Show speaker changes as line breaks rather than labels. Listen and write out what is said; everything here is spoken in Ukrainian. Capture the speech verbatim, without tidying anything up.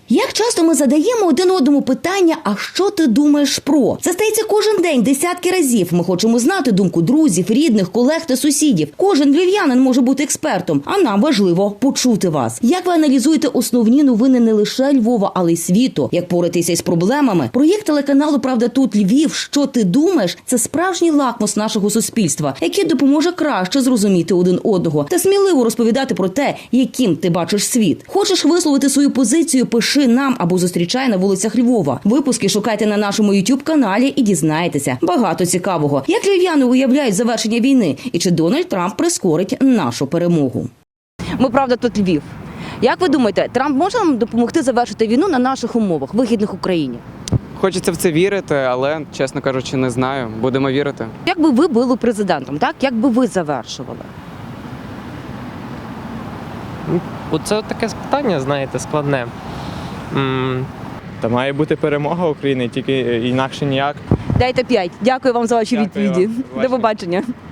Як часто ми задаємо один одному питання, а що ти думаєш про? Це стається кожен день, десятки разів. Ми хочемо знати думку друзів, рідних, колег та сусідів. Кожен львів'янин може бути експертом, а нам важливо почути вас. Як ви аналізуєте основні новини не лише Львова, але й світу? Як поратися із проблемами? Проєкт телеканалу «Правда тут Львів. Що ти думаєш?» – це справжній лакмус нашого суспільства, який допоможе краще зрозуміти один одного та сміливо розповідати про те, яким ти бачиш світ. Хочеш висловити свою позицію – пиши нам або зустрічай на вулицях Львова. Випуски шукайте на нашому ютуб-каналі і дізнаєтеся багато цікавого. Як львів'яни уявляють завершення війни і чи Дональд Трамп прискорить нашу перемогу? Ми «Правда тут Львів». Як ви думаєте, Трамп може нам допомогти завершити війну на наших умовах, вигідних Україні?
Хочеться в це вірити, але, чесно кажучи, не знаю. Будемо вірити.
Як би ви були президентом, так? Як би ви завершували?
Оце таке питання, знаєте, складне. М,
Та має бути перемога України, тільки інакше ніяк.
Дайте п'ять. Дякую вам за ваші
Дякую
відповіді.
вам.
До побачення.